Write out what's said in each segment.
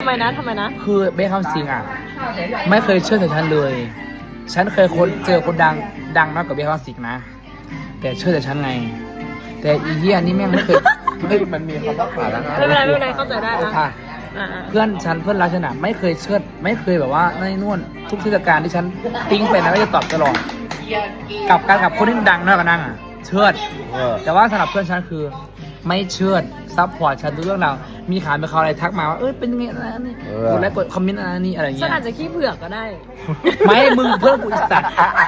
ทำไมนะคือเบคคำสิงอ่ะไม่เคยเชื่อแต่ฉันเลยฉันเคยเจอคนดังมากกว่าเบคคำสิงนะแต่เชื่อแต่ฉันไงแต่อีเหี้ยนี่แม่งไม่เคยมันมีคำว่าผ่านแล้วนะไม่เป็นไรเข้าใจได้ค่ะอ่ะเพื่อนรักฉันอ่ะไม่เคยเชื่อไม่เคยแบบว่าในนู่นทุกเทศกาลที่ฉันติ้งไปนะก็จะตอบตลอดกับคนที่ดังมากกว่านั่งอ่ะเชื่อแต่ว่าสำหรับเพื่อนฉันคือไม่เชื่อซัพพอร์ตฉันทุกเรื่องราวมีข่าวมีข่าวอะไรทักมาว่าเป็นยังไงอะไรนี่กดไลค์กดคอมเมนต์อะไรนี่อะไรฉัเงี้นยอาจจะขี้เผือกก็ได้ไม่มึงเพิ่มกูอีสัตว์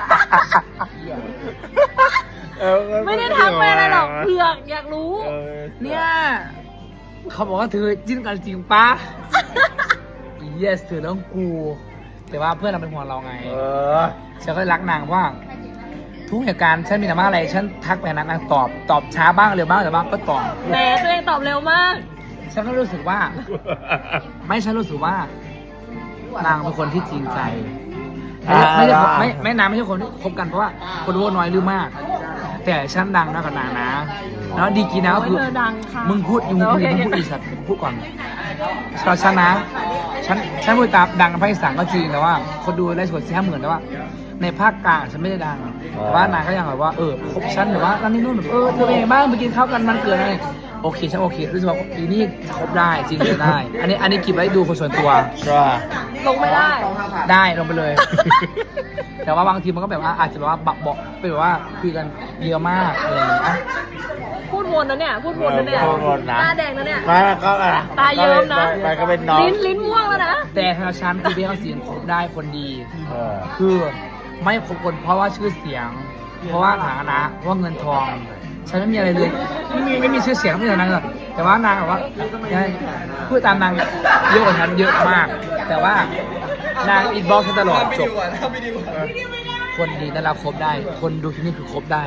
ไม่ได้ทักไปอะไรหรอกเผือกอยากรู้เนี่ยเขาบอกว่าเธอจิ้นกันจริงปะ yes เธอเรื่องกู แต่ว่าเพื่อนเราเป็นห่วงเราไงฉันก็รักนางเพราะว่าทุกเหตุการณ์ฉันมีแต่ว่าอะไรฉันทักไปนางตอบช้าบ้างเร็วบ้างแต่ว่าก็ตอบแหมตัวเองตอบเร็วมากฉันก็รู้สึกว่าฉันรู้สึกว่านางเป็นคนที่จริงใจไม่นางไม่ใช่คนที่คบกันเพราะว่าคนรู้น้อยหรือมาก แต่ฉันดังนะกับนางนะแล้วดีกีนะก็คือเธอดังค่ะมึงพูดมึงพูดอีสัตว์พูดก่อนสำหรับฉันนะฉันพูดตามดังในภาคอีสานก็จริงแต่ว่าคนดูได้ส่วน40,000แต่ว่าในภาคกลางฉันไม่ได้ดังแต่ว่านางก็ยังแบบว่าคบฉันหรือว่านั่นนี่นู่นแบบเธอเป็นไงบ้างไปกินข้าวกันมันเกิดอะไรโอเคฉันโอเครู้สึกว่าอีนี่คบได้จริงเลยได้ อันนี้เก็บไว้ดูคนส่วนตัวลงไม่ได้ได้ลงไปเลย แต่ว่าบางทีมันก็แบบว่าอาจจะแบบว่าบอกเป็นแบบว่าคุยกันเยอะมากอะไรอย่างเงี้ยพูดวนนะเนี่ยหน้าแดงนะเนี่ยมาก็ตาเยิ้มนะไปก็เป็นน้องลิ้นม่วงแล้วนะแต่ทางฉันคือเบี้ยเขาเสียงคบได้คนดี คือไม่คบคนเพราะว่าชื่อเสียง เพราะว่าฐานะเพราะว่าเงินทอง ฉันไม่มีอะไรเลยไม่มีชื่อเสียงไม่มีอะไรเลยแต่ว่านางแบบว่าพูดตามนางเยอะกว่าฉันเยอะมาก แต่ว่านางอินบ็อกซ์ฉันตลอดจบคนดีนั่นเราคบได้ คนดูที่นี่คือคบได้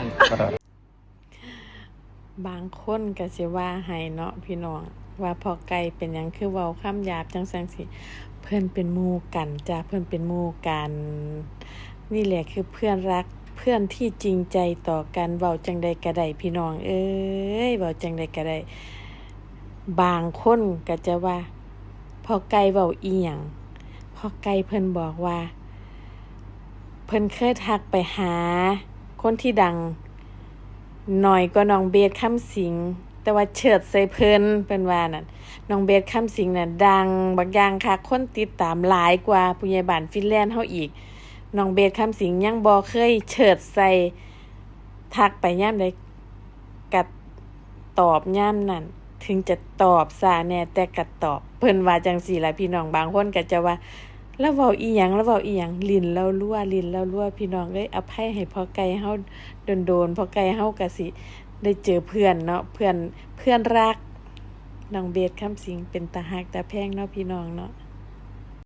บางคนก็สิว่าให้เนาะพี่น้องว่าพอไก่เป็นหยังคือเว้าคำหยาบจังซั่นสิเพิ่นเป็นหมู่กันจ้ะเพิ่นเป็นหมู่กันนี่แหละคือเพื่อนรักเพื่อนที่จริงใจต่อกันเว้าจังใดก็ได้พี่น้องเอ้ยเว้าจังใดก็ได้บางคนก็จะว่าพอไก่เว้าอีหยังพอไก่เพิ่นบอกว่าเพิ่นเคยทักไปหาคนที่ดังหน่อยก็น้องเบสคำสิงแต่ว่าเฉิดใส่เพิ่นเป็นว่านั่นน้องเบสคำสิงน่ะดังบางอย่างค่ะคนติดตามหลายกว่าผู้ใหญ่บ้านฟินแลนด์เฮาอีกน้องเบสคำสิงยังบ่เคยเฉิดใส่ทักไปยามใดก็ตอบยามนั้นถึงจะตอบซะแน่แต่ก็ตอบเพิ่นว่าจังซี่ล่ะพี่น้องบางคนก็จะว่าแล้วเว้าอีหยังลิ้นเรารั่วพี่น้องเอ้ยอภัยให้พ่อไก่เฮาโดนพ่อไก่เฮาก็สิได้เจอเพื่อนเนาะเพื่อนรักน้องเบสคำสิงเป็นตาฮักตาแพงเนาะพี่น้องเนาะ